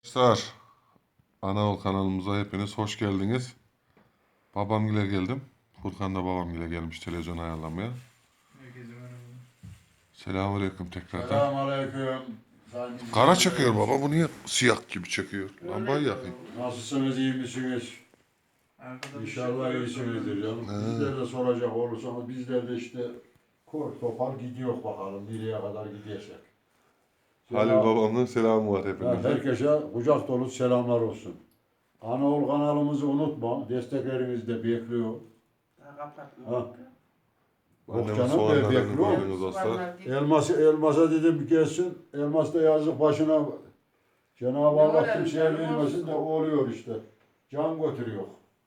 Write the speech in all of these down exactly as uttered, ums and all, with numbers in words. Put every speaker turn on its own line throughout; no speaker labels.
Arkadaşlar, Anaol kanalımıza hepiniz hoş geldiniz. Babamgile geldim. Furkan da babamgile gelmiş televizyon ayarlamaya.
Herkese merhaba.
Selamünaleyküm tekrardan.
Selamünaleyküm.
Kara çekiyor baba, bu niye siyah gibi çekiyor? Lambayı yakayım.
Nasılsınız, iyi misiniz?
Arkada bir
İnşallah
şey var.
iyisinizdir canım.
He.
Bizler de soracak olursanız bizler de işte kor topar gidiyor bakalım nereye kadar gidecek.
Halil babamın selamı var
Ha,
hepinize.
herkese kucak dolu selamlar olsun. Anaol kanalımızı unutma. Desteklerinizi de bekliyor.
Daha kapatma.
Ha.
Annemin
Yok canım,
soğanlarını
bekliyor.
koydunuz dostlar.
Soğanlar değil.
Elması elmasa dedim gelsin. Elmas da yazık başına. Cenab-ı
Ne
Allah
var
kimseye
elinde,
vermesin
olsun.
de oluyor işte. Can götürüyor.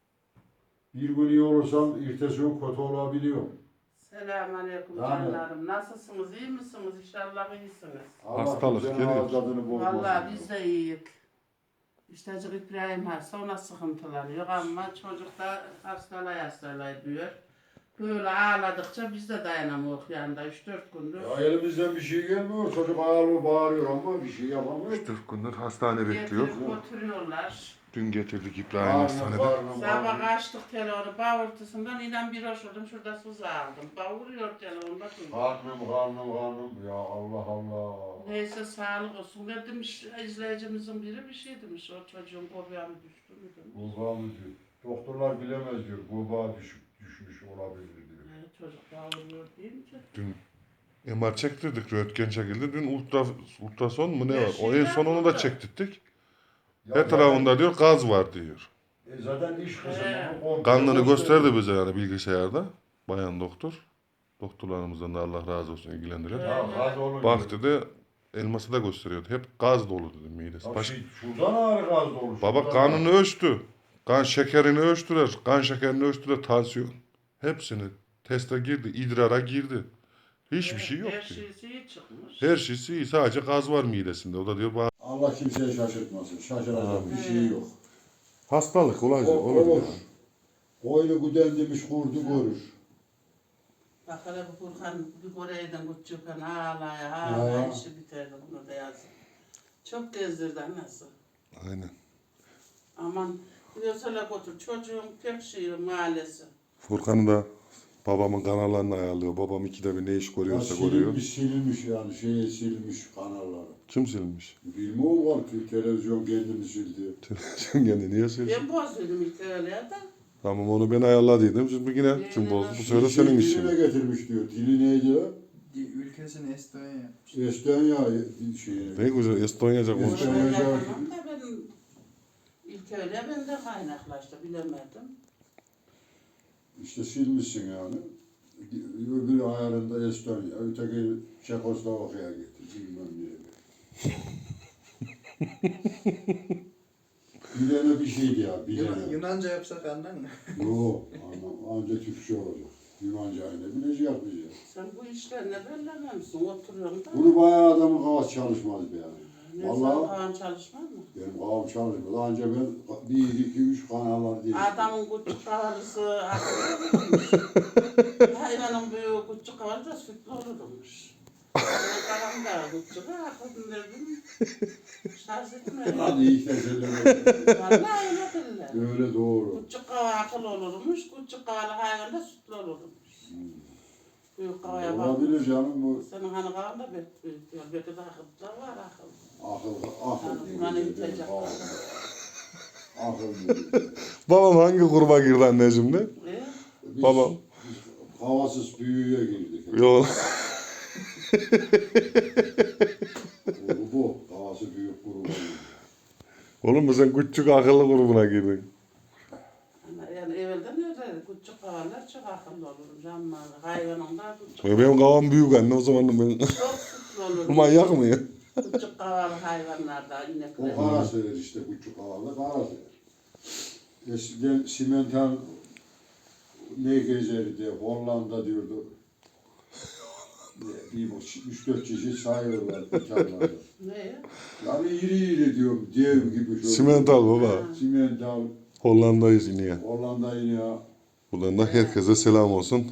Bir gün iyi olursan ertesi gün kötü olabiliyor.
Selamünaleyküm
Yani-
canlarım. Nasılsınız? İyi misiniz? İnşallah iyisiniz.
Allah
Hastalık
kimsenin
geliyor.
ağız tadını bozmasın.
Vallahi biz de iyiyiz. İşte Hacı İbrahim hasta, ona sıkıntılanıyor ama çocuk da hastalay hastalay diyor. Böyle ağladıkça biz de dayanamıyoruz yanında üç dört gündür.
Ya elimizden bir şey gelmiyor. Çocuk ağlıyor, bağırıyor ama bir şey yapamıyor.
üç dört gündür hastane bekliyor.
Getirip götürüyorlar.
Dün getirdik İbrahim
Bağırma,
hastanede.
bağırma,
Sabah
bağırma.
açtık telefonu bağırtısından inan bir hoş oldum şurada su aldım. Bağırıyor telefon bakın.
Karnım, karnım, karnım. Ya Allah Allah.
Neyse sağlık olsun. Ne demiş izleyicimizin biri bir şey demiş. O çocuğun kobuğa mı düştü mü demiş.
Kurbağa mı diyor. Doktorlar bilemez diyor. Kurbağa düşük, düşmüş olabilir diyor.
Yani çocuk bağırıyor deyince.
Dün M R çektirdik, röntgen çekildi. Dün ultra, ultrason mu ne
Her
var? O en
şeyler
son onu da
burada.
çektirdik.
Ya
Etrafında diyor gaz var diyor.
E zaten iş kısmı.
He.
komple
Kanını
gösteriyor.
gösterdi bize yani bilgisayarda. Bayan doktor. Doktorlarımızdan da Allah razı olsun ilgilendiler.
Ya gaz olunca.
Bak dedi, elması da gösteriyordu. Hep gaz dolu dedi midesi.
Ya
Baş...
şey, şuradan ağrı gaz dolu.
Baba
şuradan
kanını
ağrı.
ölçtü. Kan şekerini ölçtüler. Kan şekerini ölçtüler. Tansiyon. Hepsini teste girdi. idrara girdi. Hiçbir şey yok
Her
diyor.
şeysi iyi çıkmış.
Her şeysi iyi. Sadece gaz var midesinde. O da diyor bana...
Allah kimseye şaşırtmasın. Şaşıracak bir şey yok.
Hastalık olacak.
O, olur. Koyunu güden demiş kurdu görür.
Bak hele bu Burhan bir Kore'den küçükken ağlaya ağlaya
Ya.
işi bitirdi bunu da yazın. Çok gezdirdi nasıl.
Aynen.
Aman diyorsa götür çocuğun pek şey mahallesi.
Furkan'ı da babamın kanallarını ayarlıyor. Babam ikide bir ne iş
Ya
görüyorsa görüyor.
silinmiş silinmiş yani şeye silmiş kanalları.
Kim silmiş?
Bilmiyorum var ki televizyon kendini sildi.
Televizyon kendi niye silsin?
Ben bozdum ilk öyle ya da.
Tamam onu ben ayarladıydım. Şimdi yine kim bozdu? Bu sefer
Şey,
senin
diline
işin.
getirmiş diyor. Dili neydi ya?
Ülkesini Estonya yapmış.
Estonya şey.
Ne güzel Estonyaca
Estonya.
konuşuyor.
Onu
Hocam.
yapamam da ben ilk öyle ben de kaynaklaştı bilemedim.
İşte silmişsin yani. Öbürü ayarında Estonya, öteki Çekoslovakya'ya gitti. Bilmem nereye. Bir tane bir şeydi ya, bir
Yunan,
tane.
Yunanca yapsak anlar mı?
Yok, anam, anca Türkçe olacak. Yunanca aynı bilecek bize.
Sen bu işlerine bellememişsin oturuyorsun da.
Bunu bayağı adamın kafası çalışmaz be yani.
Ne
Vallahi-
sen kalan çalışmaz mı?
Benim kafam çalışmaz. Anca ben bir, iki, üç kanallar değil.
Adamın küçük kavalısı akıllı hayvanın büyüğü küçük kavalı da sütlü olurmuş. Benim da küçük akıllı dedim. Şarj etmiyor.
Hadi ilk de söyleme.
Vallahi öyle dediler.
Öyle doğru.
Küçük kava akıl olurmuş, küçük kavalı hayvan da sütlü olurmuş. Büyük kavaya bak.
Olabilir canım bu
Senin hani kavan da büyük büyük diyor. Belki de akıllı var akıl.
akıl, akıl.
Yani
değil,
buna ne
benim
bitecek?
kafam. Akıl değil.
Babam hangi gruba girdi anne şimdi?
E?
Biz
Babam.
havasız büyüye girdik.
Yok.
Bu, bu. Havası büyük gruba girdik.
Oğlum sen küçük akıllı grubuna girdin.
Ama yani evvelden öyle küçük kavalar çok akıllı olur. Ama hayvanın da küçük.
Ya benim kavam büyük anne o zaman ben
Çok sütlü olur.
manyak mıyım?
Küçük kavalı hayvanlarda
O
inekler.
kara sever işte küçük havalı kara sever. Eskiden simental ne gezerdi Hollanda diyordu. Bir üç dört çeşit sayıyorlar dükkanlarda.
Ne?
Yani iri iri diyorum dev gibi. şöyle.
Simental baba.
Simental
Hollanda'yız yine ya.
Hollanda yine
Buradan da herkese selam olsun.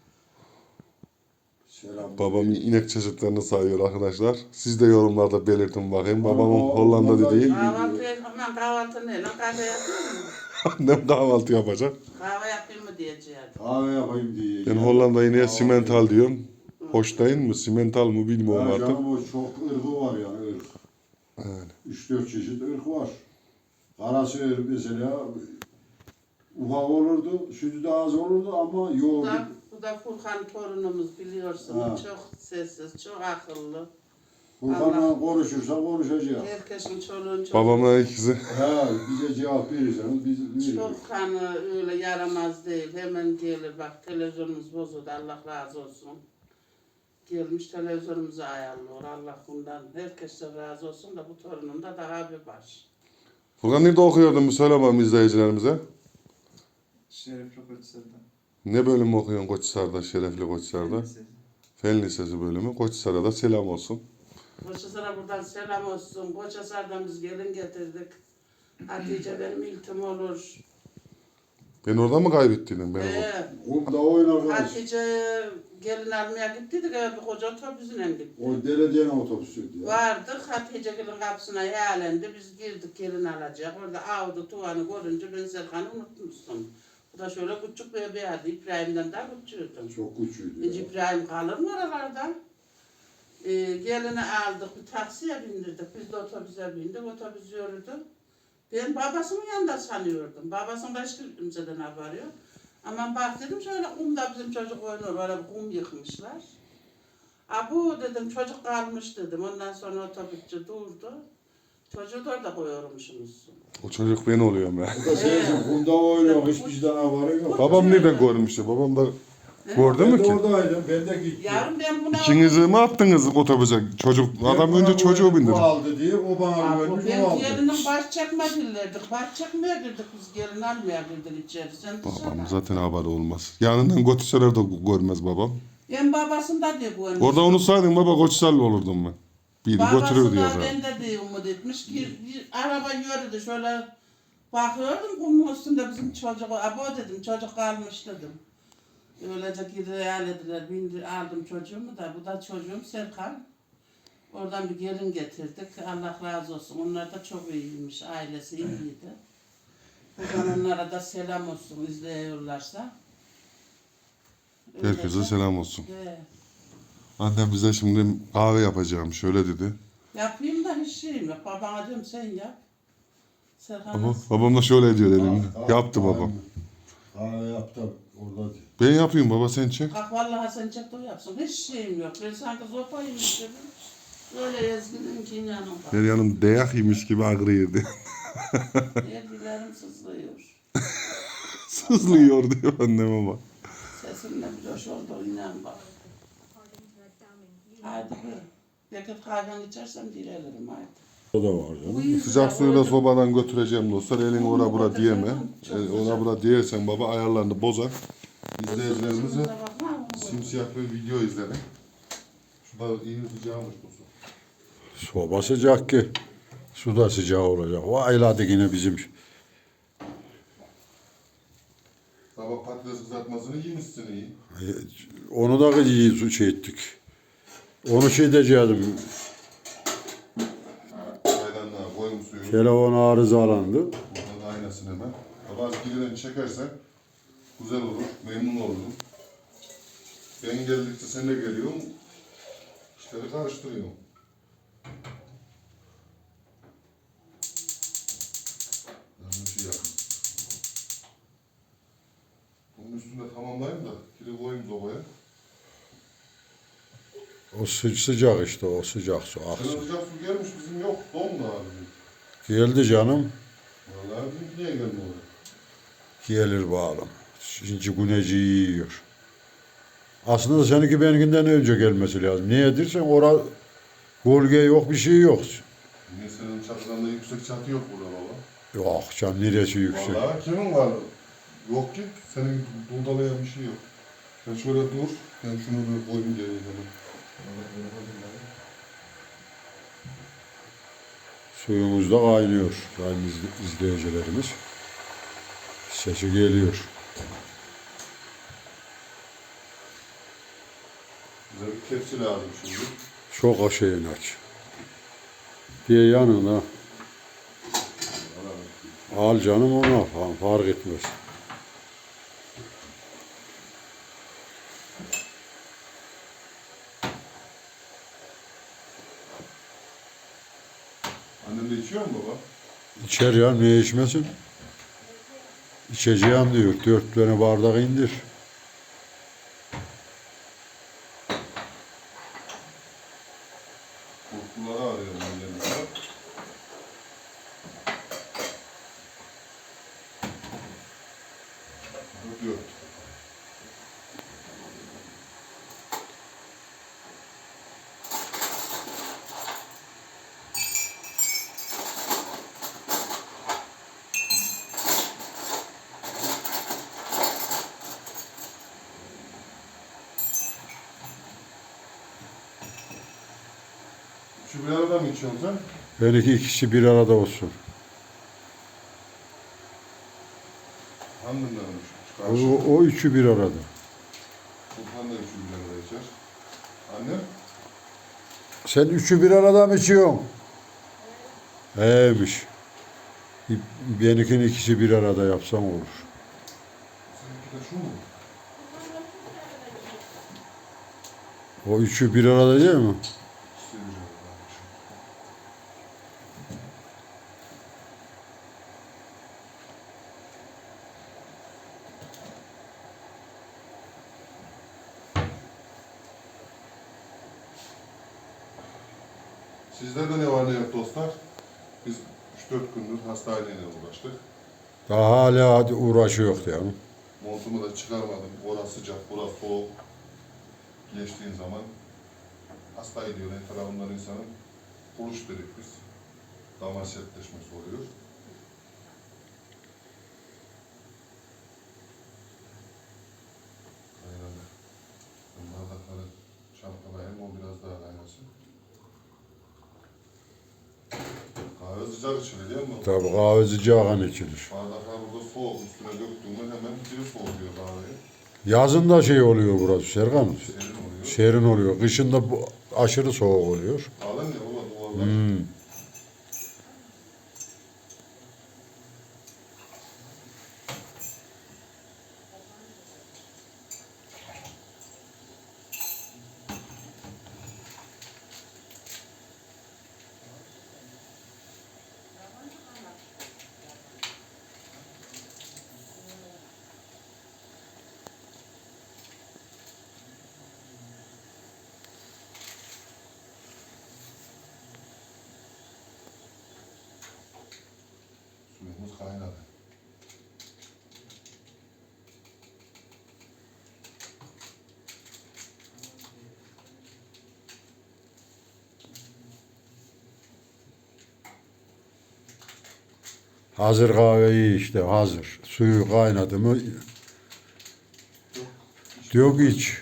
selam.
Babam inek çeşitlerini sayıyor arkadaşlar. Siz de yorumlarda belirtin bakayım. Babamın
Ama
Hollanda
Hollanda
dediği
iyi.
Kahvaltı şey hemen kahvaltı ne lan kahve yapayım mı?
Annem kahvaltı yapacak.
Kahve yapayım mı diyeceğim.
Kahve yapayım diye.
Ben Hollanda'yı niye simental diyorum. Hoş değil mi? Simental mı bilmiyorum
Ya
artık.
canım o çok ırkı var yani ırk.
Yani.
Üç dört çeşit ırk var. Karası mesela ufak olurdu, sütü de az olurdu ama
Bu
yoğurdu.
da, bu da Furkan torunumuz biliyorsun.
Ha.
Çok sessiz, çok akıllı.
Furkan'la konuşursa konuşacak.
Herkesin çoluğun çocuğu.
Babamla ikisi.
Ha, bize cevap verirseniz biz veririz.
Çok hani öyle yaramaz değil. Hemen gelir bak televizyonumuz bozuldu. Allah razı olsun. Gelmiş televizyonumuzu ayarlıyor. Allah bundan herkese razı olsun da bu torunum da daha bir baş.
Furkan nerede okuyordun bir söyle bakalım izleyicilerimize.
Şeref Rokoçsar'da.
Ne bölümü okuyorsun Koçhisar'da, Şerefli Koçhisar'da? Fen Lisesi bölümü. Koçhisar'a da selam olsun.
Koçhisar'a buradan selam olsun. Koçhisar'dan biz gelin getirdik. Hatice benim iltim olur.
Ben orada mı kaybettiydin beni?
Ee,
Kumda oynarız.
Hatice gelin almaya gittiydik. Evet, bir koca otobüsüne gittik.
O belediyenin otobüsüydü ya.
Vardık, Hatice gelin kapısına yalendi. Biz girdik gelin alacak. Orada avdı tuvanı görünce ben Serkan'ı unutmuştum. Bu da şöyle küçük bir bebeğiydi. İbrahim'den daha küçüğüydü.
Çok küçüğüydü
Hiç
ya.
İbrahim kalır mı oralarda? Ee, gelini aldık, bir taksiye bindirdik. Biz de otobüse bindik, otobüs yürüdü. Ben babasının yanında sanıyordum. Babasının da hiç kimseden haberi yok. Ama bak dedim şöyle kumda bizim çocuk oynuyor, öyle bir kum yıkmışlar. Abu dedim çocuk kalmış dedim. Ondan sonra otobüsçü durdu. Çocuğu da orada koyuyormuşsunuz.
O çocuk ben oluyorum ya.
Bu da sensin kumda oynuyor. Hiçbir şeyden haberi yok.
Babam nereden görmüştü? Babam da gördü
Ben
mü
de
ki?
oradaydım. Ben de gittim.
Yavrum ben buna...
İkinizi mi attınız otobüse? Çocuk, adam önce çocuğu
Bu
bindirdi.
aldı diye o bana
Abi,
vermiş o
ben
aldı.
gelinin baş çekme dillerdik. Baş çekmeye girdik biz gelin almaya girdik içeri. Sen
Babam
dışarı.
zaten haberi olmaz. Yanından Koçhisar'ı da görmez babam.
Ben babasında diye bu ölmüş.
Orada unutsaydın baba Koçhisarlı olurdum ben. Biri götürür diyor
Babası da
zaten.
ben de diye umut etmiş ki bir araba yürüdü şöyle bakıyordum kumun üstünde bizim çocuk. Abo dedim çocuk kalmış dedim. Öylece geri dediler bindi aldım çocuğumu da bu da çocuğum Serkan. Oradan bir gelin getirdik. Allah razı olsun. Onlar da çok iyiymiş. Ailesi iyiydi. Buradan onlara da selam olsun izliyorlarsa.
Herkese
Öylece-
selam olsun.
Evet.
Annem bize şimdi kahve yapacağım şöyle dedi.
Yapayım da hiç şeyim yok. Babana diyorum sen yap. Serkan
Ama
nasıl?
babam da şöyle diyor elinde.
Tamam,
Yaptı
tamam.
babam.
Kahve yaptım orada.
Ben yapayım baba sen çek.
Bak vallahi sen çek de o yapsın. Hiç şeyim yok. Ben sanki zopayım istedim. Öyle ezginin ki inanın bak.
Her yanım dayak yemiş gibi ağrıyordu.
Elbilerim sızlıyor.
Sızlıyor diyor annem ama.
Sesimle bir hoş oldu inan bak. Haydi bir. Yakıt kahven içersem direlirim haydi.
O da var canım.
Uyuyor
Sıcak
da
suyu da
öyle-
sobadan götüreceğim dostlar. Elin ora bura diyeme. El, ora bura diyersen baba ayarlarını bozar. İzleyicilerimize
Sızımıza bak, ne yapalım?
simsiyah bir video izledik. Şurada iyi sıcağımış bu su.
Soba sıcak ki. Su da sıcak olacak. O ayladı yine bizim.
Sabah patates kızartmasını yemişsin iyi.
Onu da iyi su şey ettik. Onu şey edeceğim.
Çaydanlığa koyun suyu.
Telefon arızalandı.
Buradan da aynasını hemen. Bazı birden çekersen güzel olur, memnun olurum. Ben geldikçe sen de geliyorsun. İşleri karıştırıyorum. Yanlış şey yaptım. Bunun üstünde tamamlayayım da kiri koyayım sobaya.
O sı sıcak işte o sıcak su
Senin
aksın.
sıcak su gelmiş bizim yok. Dondu abi.
Geldi canım.
Vallahi bizimki niye gelmiyor?
Gelir bağlam. Şimdi güneşi yiyor. Aslında seninki benimkinden önce gelmesi lazım. Niye dersen ora gölge yok bir şey yok.
Niye senin çatıdan da yüksek çatı yok burada baba?
Yok canım neresi yüksek.
Vallahi kimin var? Yok ki. Senin dundalayan bir şey yok. Sen şöyle dur. Ben şunu bir koyayım geriye hemen.
Suyumuz da kaynıyor. Sayın izle- izleyicilerimiz. Sesi geliyor.
Bize bir tepsi lazım şimdi.
Çok aşağıya aç. Diye yanına. Al canım ona falan fark etmez.
Annem de içiyor mu baba?
İçer ya niye içmesin? İçeceğim diyor. Dört tane bardak indir.
Kurtluları arıyorum annemle. Yok. Şu bir arada mı içiyorsun sen?
Belki ikisi bir arada olsun.
Annemden olmuş.
O, o üçü bir arada.
Sultan da üçü bir arada içer. Annem?
Sen üçü bir arada mı içiyorsun? Eymiş. Benimkinin ikisi bir arada yapsam olur.
Seninki de şu mu?
O üçü bir arada değil mi?
İkisi bir arada. Sizlerde ne var ne yok dostlar? Biz üç dört gündür hastaneyle uğraştık.
Daha hala hadi uğraşıyor yani.
Montumu da çıkarmadım. Orası sıcak, burası soğuk. Geçtiğin zaman hasta ediyor. En tarafından insanın buluş dedik biz. Damar sertleşmesi oluyor. Kaynadı. Bardakları çalkalayayım, o biraz daha kaynasın. Kahve sıcak içilir değil mi?
Tabii kahve sıcağın içilir.
Bardaklar burada soğuk. Üstüne döktüğümde hemen biri soğutuyor kahveyi.
Yazın da şey oluyor burası Serkan.
Serin oluyor.
Serin oluyor. Kışın da bu aşırı soğuk oluyor.
Alın ya baba duvarlar.
Hmm.
Suyumuz kaynadı.
Hazır kahveyi işte hazır. Suyu kaynadı mı yok iç.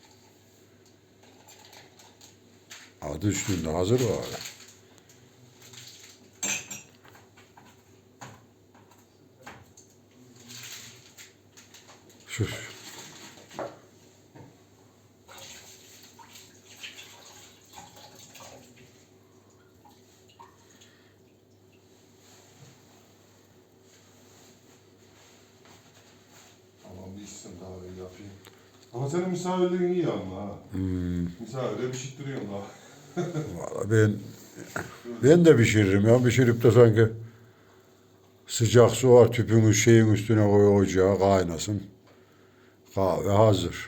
Adı üstünde hazır kahve. Şu
Tamam bir içsin kahveyi yapayım. Ama senin misafirliğin iyi ama ha.
hmm,
Misafire pişirttiriyorsun daha.
vallahi ben ben de pişiririm ya. Pişirip de sanki sıcak su var tüpün şeyin üstüne koy ocağa kaynasın. Kahve hazır.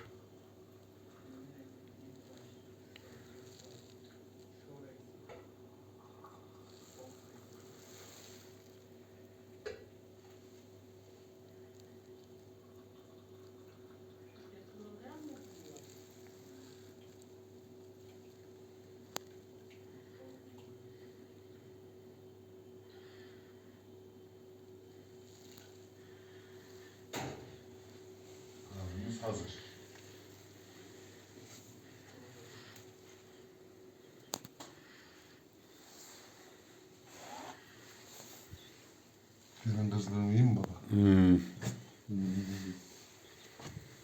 Kahvemiz hazır. Gelin kızlığım iyi mi baba?
Hmm.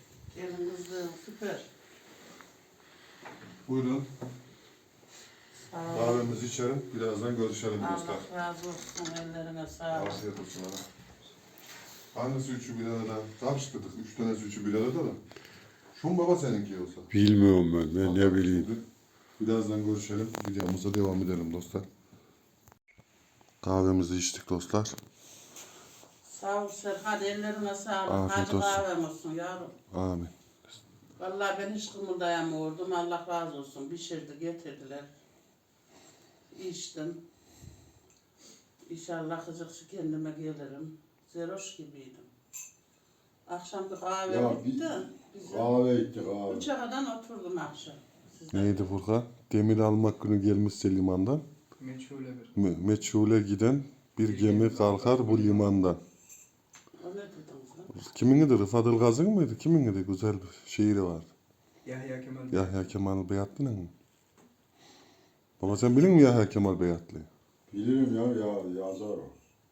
Gelin kızım süper.
Buyurun.
Sağ ol.
Kahvemizi içelim. Birazdan görüşelim dostlar.
Allah razı olsun. Ellerine sağlık.
Afiyet olsun ana. Hangisi üçü bir arada? Karıştırdık. Üç tanesi üçü bir arada da. Şu mu baba seninki yoksa?
Bilmiyorum ben. Ben ne bileyim.
Şimdi birazdan görüşelim. Videomuza devam edelim dostlar. Kahvemizi içtik dostlar.
Sağ ol Serhat. Ellerine sağlık.
Afiyet
Hadi
olsun.
kahvem olsun yavrum.
Amin.
Vallahi ben hiç kımıldayamıyordum. Allah razı olsun. Pişirdi, getirdiler. İçtim. İnşallah kızıkçı kendime gelirim. Zeroş gibiydim. Akşam bir kahve
Ya
bitti.
bir-
Bize
Kahve içtik kahve.
üçe kadar oturdum akşam. Sizden.
Neydi Furkan? Demir almak günü gelmişse limandan.
Meçhule bir.
Me- Meçhule giden bir gemi kalkar bu limandan.
O ne dediniz lan?
Kiminidir? Rıfat Ilgaz'ın mıydı? Kiminidir? Güzel bir şiiri vardı.
Yahya Kemal.
Yahya Kemal Beyatlı'nın mı? Baba sen bilin mi Yahya Kemal Beyatlı'yı?
Bilirim ya, ya yazar o.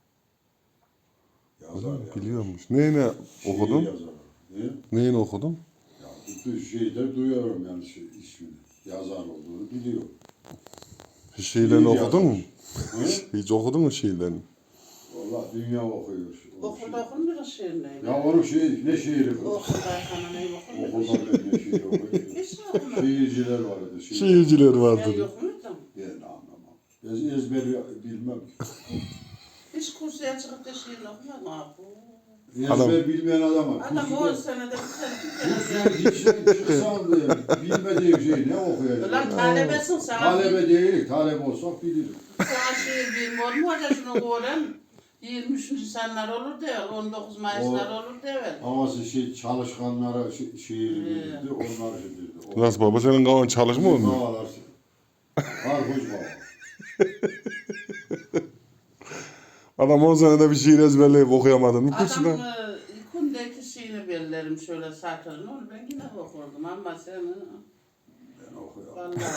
Yazar ya.
Biliyormuş. Neyine
Şiir
okudun?
yazar o. Ne?
Neyini okudun?
Ya bütün şeyde duyuyorum yani şey, ismini. Yazar olduğunu biliyorum.
Hiç şiirlerini
Şiir
okudun mu?
yazmış. He?
Hiç okudun mu şiirlerini?
Valla dünya okuyor. O
Okulda
şey.
okunmuyor şiir neydi?
Ya onun şey, ne şiiri bu?
Okuldayken ne okunmuyor?
Okulda ben ne şiir okuyor.
Hiç mi okumadın?
Şiirciler vardı. Şiir.
Şiirciler
Ben
vardı.
yok muydum?
Ben anlamam. Ez, ezberi bilmem.
Hiç kursuya çıkıp da şiir okumadım abi.
Ezber
Adam-
bilmeyen adama.
Adam on senede bir sene bir kere.
Kursuna gitsen çıksan diye bilmediğim şeyi ne okuyacak?
Ulan talebesin sen.
Talebe değil, talebe olsak bilirim.
Sana şiir bilmiyor mu? Hoca şunu öğren. yirmi üçüncü senler olur değil, on dokuz Mayıslar olur değil.
Ama şey çalışkanlara şi- şiir bildirdi, onlar bildirdi. O-
Nasıl baba senin kafan çalışmıyor mu?
Babalar, karpuz baba.
Adam on senede bir şiir ezberleyip okuyamadın mı? Kursuna.
Adam e, kundaki şeyini bellerim şöyle sakırın. Onu ben yine okurdum ama sen
Ben okuyorum.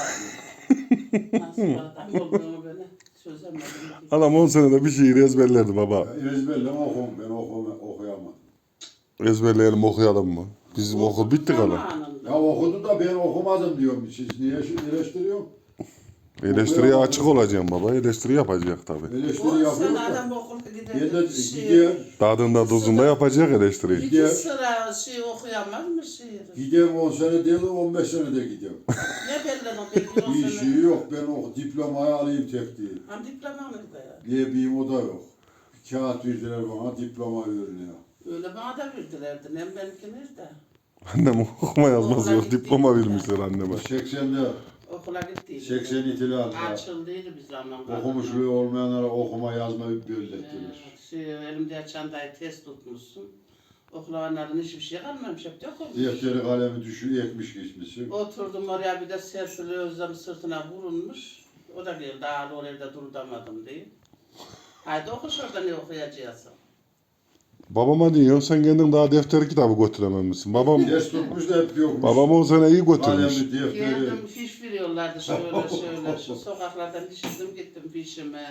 vallahi nasıl adam olduğunu beni çözemedim.
Adam on senede bir şiir ezberlerdi baba.
Ya ezberleme okum, ben okum, okuyamadım.
Ezberleyelim okuyalım mı? Bizim okul bitti kalan.
Zamanında.
Ya okudu da ben okumadım diyorum. Siz niye eleştiriyorsun?
Eleştiriye açık olacağım baba. Eleştiri yapacak tabii.
Eleştiri
On sene
yapıyor da.
adam okulda
Ben de
giderdi. Şiir.
gider,
Tadında tuzunda yapacak eleştiriyi.
İki
Gider.
sıra şey okuyamaz mı şiir?
giderim on sene değil, on beş sene de gidiyorum.
Ne belli o belli on
Bir
sene.
şey yok, ben o diplomayı alayım tek değil.
Hem diploma mıydı ya?
Diye bir o da yok. Bir kağıt verdiler bana, diploma veriliyor.
Öyle bana da verdilerdi. Nem benimki nerede?
Annem okuma yazması
Okula
yok.
gittik
Diploma
ya.
vermişler anneme.
seksende,
Okula gittiydi.
seksen itilalda
Açıldıydı bir zaman.
okumuşluğu olmayanlara okuma yazma bellettirir.
Ee, şey, elimde çantayı test tutmuşsun. Okulavanların hiçbir şey kalmamış. Hep de okumuş.
Defteri kalemi düşüyor, ekmiş geçmişsin.
Oturdum oraya bir de Serpil Özlem sırtına vurulmuş. O da geldi ağır oraya durdamadım diye. Haydi oku şurada ne okuyacaksın.
Babama diyor sen kendin daha defter kitabı götürememişsin. Babam
Ders tutmuş da hep yokmuş.
babam on sene iyi götürmüş.
Kalemi, defteri.
Geldim fiş veriyorlardı şöyle şöyle şu sokaklardan düşürdüm gittim fişimi,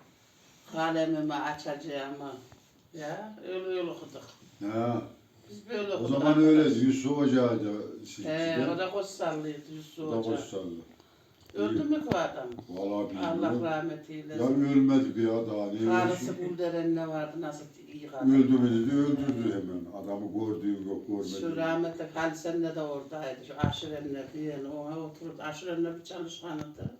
kalemimi açacağımı. Ya öyle öyle okuduk.
Ha,
Biz böyle
o
okuduk.
zaman öyle Yusuf Hoca'ydı.
He, o
Sizden.
da Koçsallıydı Yusuf
O da
Hoca.
Koçsallı.
Öldü mü bu adam?
Vallahi
Allah
bilmiyorum.
rahmet
Ya
eylesin.
ölmedi ya daha ne
Karısı
ölsün?
Gülderen'le vardı nasıl iyi kadın.
Öldü mü dedi, öldürdü hemen. Adamı gördüğü yok,
Şu
görmedi.
rahmetli Halisen'le de oradaydı. Şu aşirenle diyen ona oturup aşirenle bir çalışkanıydı.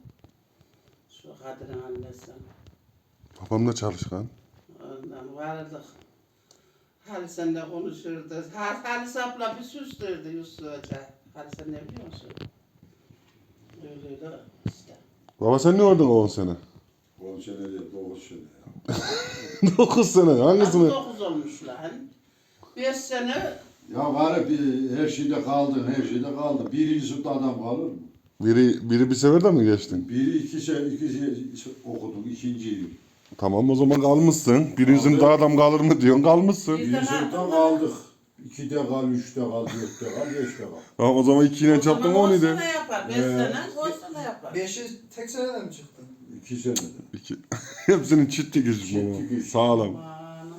Şu Kadir'in annesi.
Babam da çalışkan.
Ondan vardık. Halisen'le konuşurdu. Ha- Halis abla bir süstürdü Yusuf Hoca. Halisen ne biliyor musun? Öyle öyle işte.
Baba sen ne oldun on sene?
on sene değil, dokuz sene ya.
dokuz sene. Hangisini?
dokuz olmuş lan. beş sene
Ya var bir her şeyde kaldın, her şeyde kaldın. Birinci sınıfta adam kalır mı?
Biri biri bir seferde mi geçtin?
Biri iki sene, iki sene okudun, ikinci yıl.
Tamam o zaman kalmışsın. Birinci sınıfta adam kalır mı diyorsun kalmışsın.
Birinci sınıfta kaldık. İkide kal, üçte kal, dörtte kal, beşte kal.
Tamam o zaman ikiyle çarptın on
on
idi.
sene yapar. beş
Ee,
sene on sene yapar.
Beşi tek seneden mi çıktı?
İki senede.
İki. Hepsinin çitti gücü
Çitti
baba.
gücü.
Sağlam.
Aman.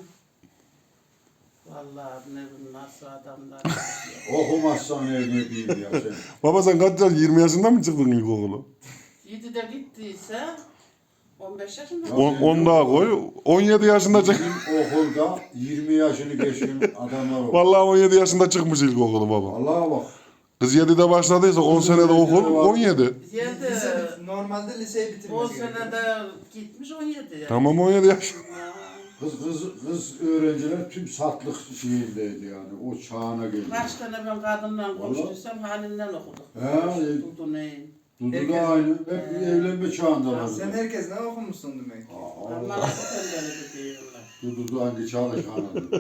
Vallahi ne bu nasıl adamlar.
Okumazsan ne ne diyeyim ya sen.
Baba sen kaç yaş? yirmi yaşında mı çıktın ilkokulu?
yedide gittiyse on beş yaşında.
On-
on daha koy. on yedi yaşında çık.
Bizim okulda yirmi yaşını geçkin adamlar var.
Vallahi on yedi yaşında çıkmış ilkokulu baba.
Allah'a bak.
Kız yedide başladıysa on senede okul on yedi.
Yedi.
Lise, normalde liseyi
on
bitirmesi gerekiyor.
senede gitmiş on yedi yani.
Tamam on yedi yaş.
Kız kız kız öğrenciler tüm satlık şeyindeydi yani. O çağına geldi.
Kaç tane ben kadınla konuştuysam halinden okuduk.
He, e,
Dudu neyin?
Dudu
Herkes-
da aynı. Hep evlenme çağındalar.
Sen herkes ne okumuşsun demek ki?
Aa,
Ama nasıl tembeli diyorlar.
Dudu da hangi çağda çağına.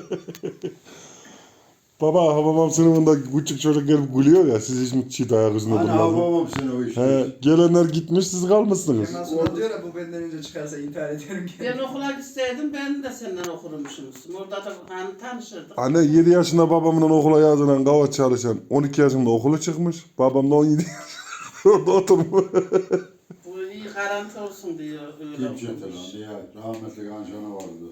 Baba babam sınıfında küçük çocuk gelip gülüyor ya siz hiç mi çiğ ayak üstünde
Hani
durmadınız?
babam seni o işte.
He, gelenler gitmiş siz kalmışsınız.
Kemal Sunal diyor ya bu benden önce çıkarsa intihar ederim ki.
Ben okula gitseydim ben de senden okurmuşum. Orada da hani tanışırdık.
Anne yedi yaşında babamla okula yazılan kava çalışan on iki yaşında okulu çıkmış. Babam da on yedi yaşında orada oturmuş.
Bu iyi garanti olsun diyor. Öyle
Kim çetel
okumuş.
lan? Ya rahmetli Ganşan'a vardı.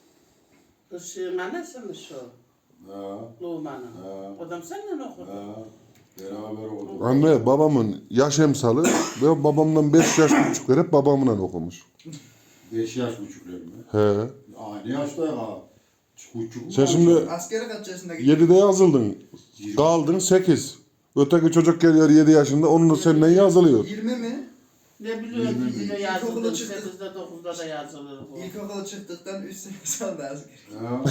Işığın annesi mi şu?
Ha,
Luğman'ın.
ha,
O da seninle okudu.
ha. Beraber olduk.
Anne babamın yaş emsalı ve babamdan beş yaş küçükler hep babamla okumuş.
Beş yaş buçuklar mı?
He.
Aynı yaşta ya. Küçük mü?
Sen şimdi
Askere kaç yaşında gitti?
yedide yazıldın. Kaldın sekiz. Öteki çocuk geliyor yedi yaşında onun da seninle yazılıyor.
yirmi mi?
Ne biliyorum
Yirmi
dizide
bir.
yazılır,
İlkokula çıktı.
sekizde dokuzda da yazılır bu.
İlkokula çıktıktan üç sene sonra asker.
Ha.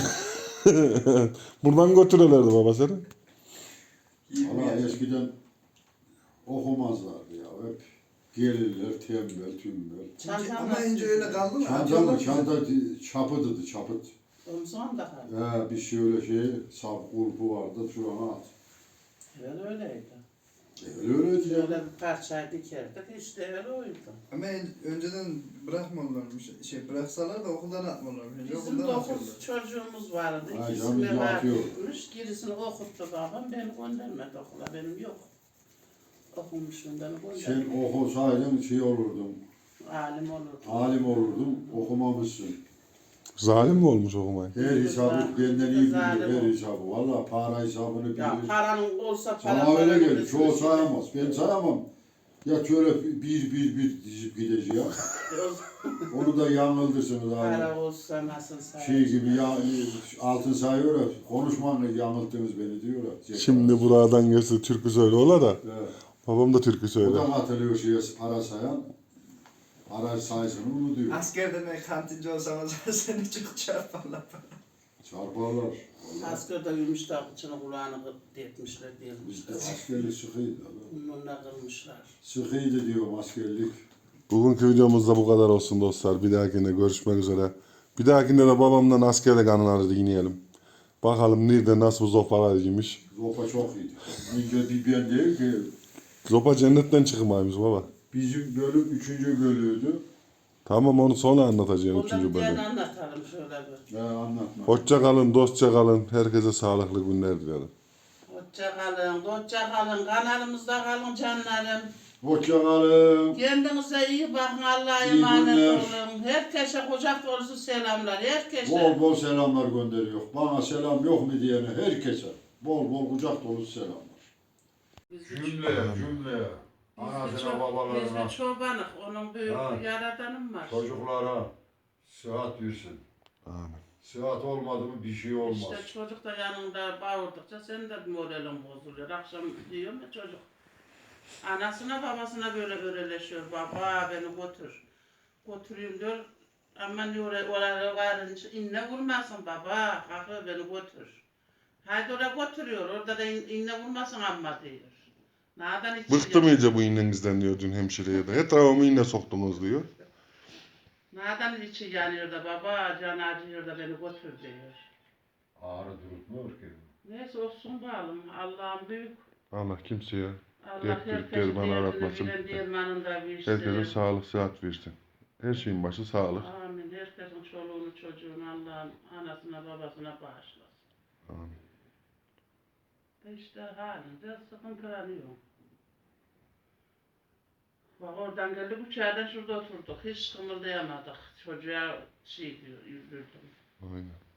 Buradan götürürlerdi baba seni.
yirmi
Valla
yaş.
eskiden okumazlardı ya. Hep gelirler tembel tümbel.
Çantam
Ama
nasıl
önce öyle kaldı mı?
Çanta
Atıyorlar
mı?
mı?
Çanta çapıdıdı çapıt.
Omzum da kaldı.
He, bir şöyle şey sap kulpu vardı şurana at.
Evet öyleydi.
Öyle öyleydi ya.
Öyle bir parçayı dikerdik işte öyle oydu.
Ama en- önceden bırakmıyorlarmış. Şey bıraksalar da okuldan atmıyorlarmış. Önce
Bizim
okuldan
dokuz
atıyorlar.
çocuğumuz vardı.
Ha,
İkisi
canım,
vefat
atıyor.
etmiş. Gerisini okuttu babam. Beni göndermedi okula. Benim yok. Okumuşum beni
Sen
göndermedi.
okusaydın şey olurdun.
Alim olurdu.
Alim olurdun. Okumamışsın.
Zalim mi olmuş okumayı?
Her hesabı benden iyi bilir. Her hesabı. Valla para hesabını
Ya
bilir.
paranın olsa para
Sana öyle
paranın
gelir.
üstüne
Çoğu
şey-
sayamaz. Ben sayamam. Ya şöyle bir bir bir dizip gideceğim. Onu da yanıldırsınız abi.
Para olsa nasıl sayar?
Şey gibi ya altın sayıyor ya. Konuşmanla yanılttınız beni diyor ya.
Şimdi buradan geçti türkü söyle ola da.
Evet.
Babam da türkü
O
söyle.
da hatırlıyor şeye para sayan. Para sayısını unutuyor.
Askerden ben kantinci olsam seni çok çarparlar.
Çarparlar. Vallahi.
Askerde yumuş da kıçını kulağını detmişler
Bizde
diyormuşlar.
askerlik sıkıydı.
Bununla kırmışlar.
Sıkıydı diyorum askerlik.
Bugünkü videomuz da bu kadar olsun dostlar. Bir dahakinde görüşmek üzere. Bir dahakinde de babamdan askerlik anıları dinleyelim. Bakalım nerede nasıl bir zopalar yemiş.
Zopa çok iyiydi. İnce bir ben değil ki.
Zopa cennetten çıkmaymış baba.
Bizim bölüm üçüncü bölüydü.
Tamam onu sonra anlatacağım
Ondan
üçüncü
bir diğerini
bölüm.
anlatalım şöyle bir.
Ya anlatma.
Hoşça kalın, dostça kalın. Herkese sağlıklı günler dilerim.
Hoşça kalın, hoşça kalın, kanalımızda kalın canlarım.
Hoşça kalın.
Kendinize iyi bakın, Allah'a
İyi
emanet
günler.
olun. Herkese kucak dolusu selamlar, herkese.
Bol bol selamlar gönderiyor. Bana selam yok mu diyene herkese. Bol bol kucak dolusu selamlar.
Biz de
Cümleye cümleye.
Biz de
Anasına
ço- Biz
babalarına.
de çobanık, onun büyük
Ha.
bir yaradanım var.
Çocuklara sıhhat versin.
Amin.
Sıhhat olmadı mı bir şey olmaz.
İşte çocuk da yanında bağırdıkça senin de moralin bozuluyor. Akşam diyorum ya çocuk. Anasına babasına böyle öreleşiyor. Baba beni götür. Götüreyim diyor. Ama diyor oraya varınca inne vurmasın baba. Kalkıyor beni götür. Haydi oraya götürüyor. Orada da in, inne vurmasın amma diyor. Nereden içi
Bıktım iyice bu iğnenizden diyor dün hemşireye de. Etrafımı iğne soktunuz diyor.
Nereden içi yanıyor da baba can acıyor da beni götür diyor.
Ağrı durutmuyor ki.
Neyse olsun bağlım. Allah'ım büyük.
Allah kimseye,
Allah
Dert büyük
herkesin
derman
derdini
aratmasın.
bilen dermanında bir işte.
herkese sağlık, sıhhat versin. Her şeyin başı sağlık.
Amin. Herkesin çoluğunu çocuğunu Allah'ın anasına babasına bağışlasın.
Amin.
İşte halinde sıkıntılanıyor. Bak oradan geldik uçağdan şurada oturduk. Hiç kımıldayamadık. Çocuğa şey diyor, yürüdüm.
Aynen.